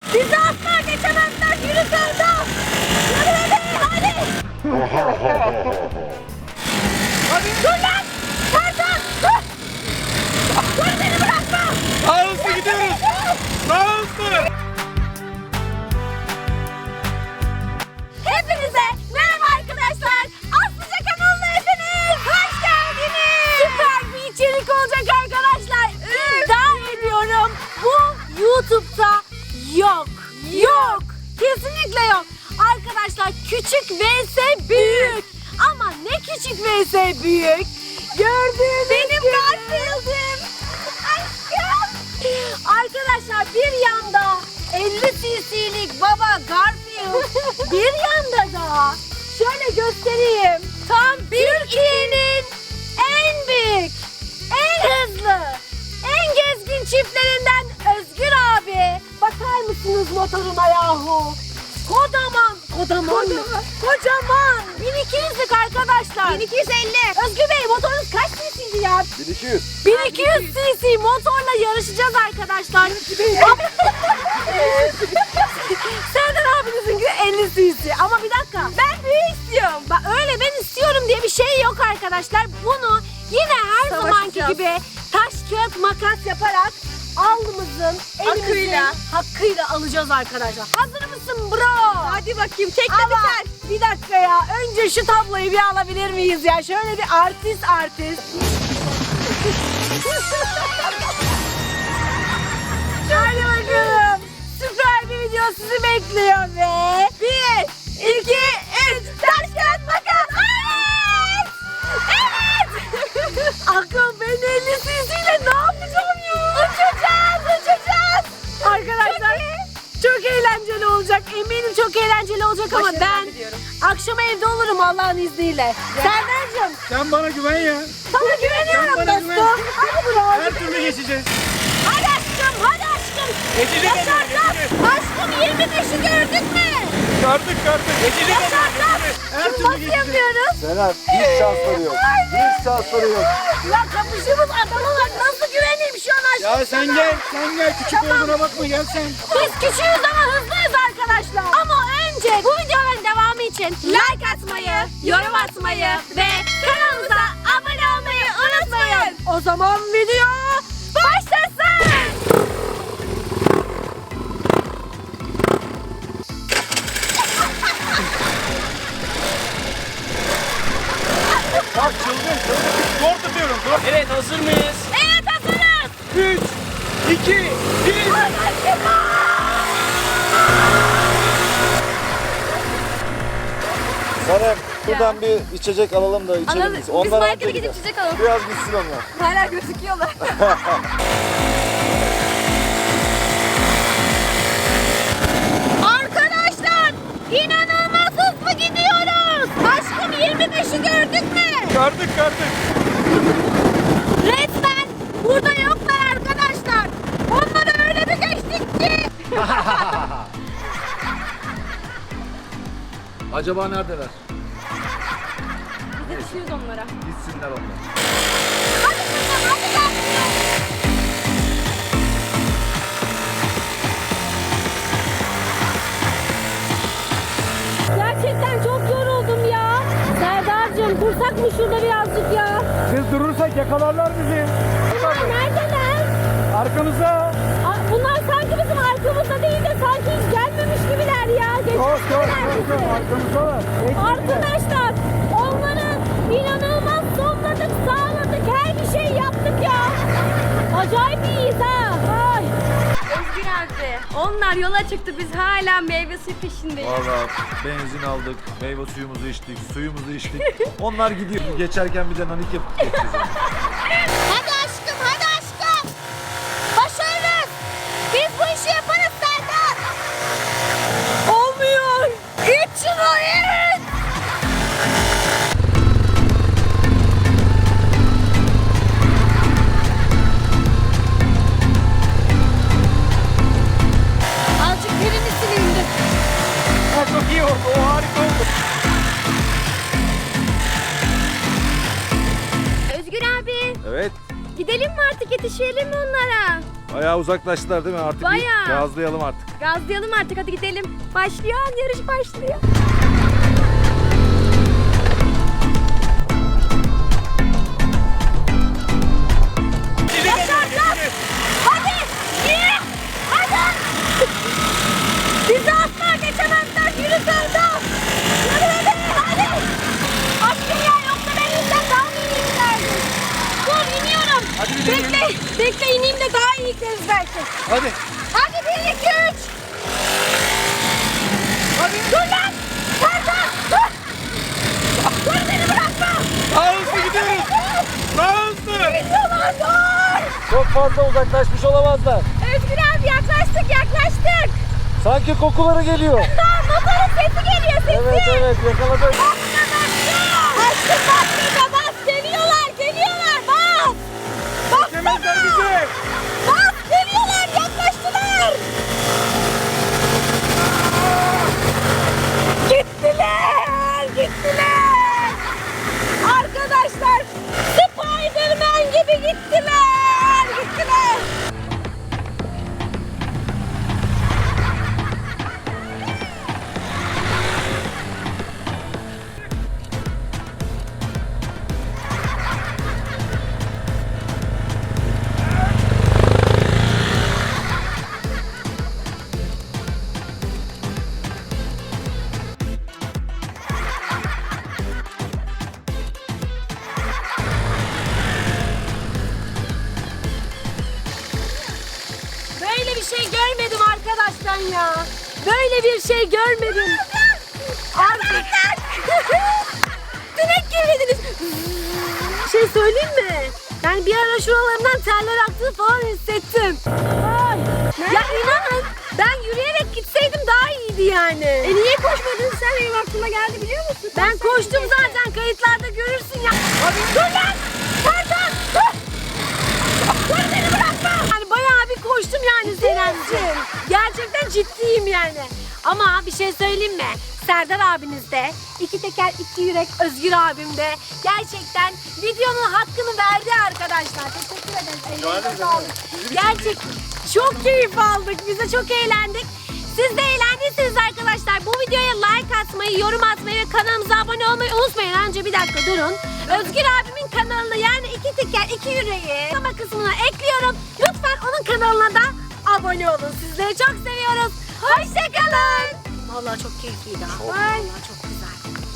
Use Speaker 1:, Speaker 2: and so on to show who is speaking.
Speaker 1: Bizi asla geçemezler. Yürü Serdar. Yürü hadi. Hadi. Dur lan. Serdar dur. Dur beni bırakma.
Speaker 2: Daha hızlı gidiyoruz. Daha hızlı.
Speaker 1: Hepinize merhaba arkadaşlar. Aslıca kanalına hepiniz hoş geldiniz. Süper bir içerik olacak arkadaşlar. İddia ediyorum bu YouTube'da yok. Yok. Kesinlikle yok. Arkadaşlar küçük vs büyük. Ama ne küçük vs büyük. Gördüğünüz benim Garfield'im. Aşkım. Arkadaşlar bir yanda 50 cc'lik baba Garfield. Bir yanda da şöyle göstereyim. Tam Türkiye'nin en büyük, en hızlı, en gezgin çiftlerinden Özgür abi. Bakar mısınız motoruna yahu? Kocaman. 1200'lük arkadaşlar. 1250. Özgür Bey motorunuz kaç cc'ydi ya?
Speaker 2: 1200.
Speaker 1: 1200 cc motorla yarışacağız arkadaşlar. Serdar abinizinki de 50 cc. Ama bir dakika. Ben büyük istiyorum. Bak öyle ben istiyorum diye bir şey yok arkadaşlar. Bunu yine her zamanki gibi taş kağıt makas yaparak alnımızın elimizin hakkıyla alacağız arkadaşlar. Hazır mısın bro? Hadi bakayım tek de biter. Bir dakika ya. Önce şu tabloyu bir alabilir miyiz ya? Şöyle bir artist. Hadi bakalım. Süper bir video sizi bekliyor ve 1, 2, 3 taş kağıt makas. Evet. Akıl ben 50 cc'yle ne yapacağım ya? Uçacağız. Arkadaşlar çok eğlenceli olacak. Eminim çok eğlenceli olacak ama ben akşam evde olurum Allah'ın izniyle. Serdar'cığım.
Speaker 2: Sen bana güven ya.
Speaker 1: Sana güveniyorum
Speaker 2: Sen bana güven.
Speaker 1: dostum. Hadi bro.
Speaker 2: Her türlü geçeceğiz.
Speaker 1: Hadi aşkım.
Speaker 2: Geçeceğiz.
Speaker 1: Yaşarsan. Aşkım 25'i gördük mü?
Speaker 2: Gördük. Geçeceğiz.
Speaker 1: Yaşarsan.
Speaker 2: Her
Speaker 1: Şimdi
Speaker 2: türlü
Speaker 1: nasıl
Speaker 2: geçeceğiz.
Speaker 1: yapıyoruz?
Speaker 3: Serhat hiç şansları yok. Hiç şansları yok.
Speaker 1: Ya kapışımız adamı var. Nasıl güveneyim şu an aşkım
Speaker 2: Ya sen
Speaker 1: sana?
Speaker 2: gel. Küçük olduğuna bakma gel sen.
Speaker 1: Biz küçüğüz ama hızlıyız arkadaşlar. Ama önce bu videoların devamı için like atmayı, yorum atmayı ve kanalımıza abone olmayı unutmayın. O zaman video başlasın.
Speaker 2: Bak çılgın. Zor tutuyorum. Zor. Evet hazır mıyız?
Speaker 1: Evet hazırız.
Speaker 2: 3, 2, 1.
Speaker 3: Sanem buradan bir içecek alalım da içelim biz.
Speaker 1: Biz markete gidip içecek alalım.
Speaker 3: Biraz gitsin onlar.
Speaker 1: Hala gözüküyorlar. Arkadaşlar inanılmaz hızlı gidiyoruz. Aşkım 25'i gördük mü?
Speaker 2: Gördük.
Speaker 1: Resmen burada yoklar arkadaşlar. Onları öyle bir geçtik ki.
Speaker 3: Acaba neredeler?
Speaker 1: Biz düşüyoruz onlara.
Speaker 3: Gitsinler onlar.
Speaker 1: Hadi kızım hadi gel. Gerçekten çok yoruldum ya. Serdar'cığım dursak mı şurada birazcık ya?
Speaker 2: Biz durursak yakalarlar bizi.
Speaker 1: Bunlar neredeler?
Speaker 2: Arkamıza.
Speaker 1: Bunlar sanki bizim arkamızda değil de sanki hiç gelmemiş gibiler ya. Geçmişler bizi.
Speaker 2: Arkamızdalar.
Speaker 1: Arkadaşlar onları inanılmaz sonladık, sağladık, her bir şey yaptık ya. Acayip iyiyiz ha. Ay.
Speaker 4: Özgür abi, onlar yola çıktı, biz hala meyve suyu peşindeyiz.
Speaker 3: Valla benzin aldık, meyve suyumuzu içtik, suyumuzu içtik. Onlar gidiyor. Geçerken bir de nanik yapıp geçeceğiz.
Speaker 1: Hadi aşkım, hadi aşkım. Başarırız. Biz bu işi yaparız Serdar. Olmuyor. İç şunu iç. Azıcık birini silindi.
Speaker 2: Çok iyi oldu. O harika oldu.
Speaker 4: Özgür abi,
Speaker 3: Evet.
Speaker 4: gidelim mi artık, yetişelim mi onlara?
Speaker 3: Bayağı uzaklaştılar değil mi? Artık
Speaker 4: Bayağı.
Speaker 3: gazlayalım artık.
Speaker 4: Gazlayalım artık, hadi gidelim. Başlıyor, yarış başlıyor.
Speaker 1: Hadi! Yürü! Hadi! Bizi asla geçemezler. Yürü Serdar! Yürü hadi! Aşkım ya, yoksa ben yüzden daha mı iyi giderdim? Dur, iniyorum.
Speaker 2: Hadi bir deneyelim.
Speaker 1: Bekle ineyim de daha iyi gideriz belki.
Speaker 2: Hadi.
Speaker 1: Hadi 1, 2, 3.
Speaker 2: Hadi.
Speaker 1: Dur lan! Serdar! Dur! Dur, beni bırakma!
Speaker 2: Daha hızlı gidiyoruz. Daha hızlı.
Speaker 1: Gidiyorlar, dur!
Speaker 3: Çok fazla uzaklaşmış olamazlar.
Speaker 4: Özgür abi yaklaştık.
Speaker 3: Sanki kokuları geliyor.
Speaker 4: Motorun sesi geliyor, sesi.
Speaker 3: Evet yakaladım.
Speaker 1: Aşkım bas, bas! Geliyorlar! Bas!
Speaker 2: Geçemezler bizi.
Speaker 1: Bas! Geliyorlar! Yaklaştılar! Gittiler! Arkadaşlar, Spiderman gibi gittiler! Böyle bir şey görmedim arkadaşlar ya. Böyle bir şey görmedim. Arkadaşlar. Sinek girdiniz. Bir şey söyleyeyim mi? Yani bir ara şuralarımdan terler aktığını falan hissettim. Ya inanın ben yürüyerek gitseydim daha iyiydi yani.
Speaker 4: Niye koşmadın sen, benim aklıma geldi biliyor musun?
Speaker 1: Ben koştum zaten, kayıtlarda görürsün ya. Dur lan! Serdar! Dur! Dur, beni bırakma! Yani bayağı bir koştum yani Senemciğim. Gerçekten ciddiyim yani. Ama bir şey söyleyeyim mi? Serdar abiniz de, iki teker iki yürek Özgür abim de gerçekten videonun hakkını verdi arkadaşlar. Teşekkür ederiz. Ellerinize sağlık. Gerçekten çok keyif aldık. Biz de çok eğlendik. Siz de eğlendiyseniz arkadaşlar bu videoya like atmayı, yorum atmayı ve kanalımıza abone olmayı unutmayın. Önce bir dakika durun. Özgür abimin kanalına, yani iki teker iki yüreği açıklama kısmına ekliyorum. Lütfen onun kanalına da abone olun. Sizleri çok seviyoruz. Hoşçakalın. Vallahi çok keyifliydi ha. Vallahi çok güzel.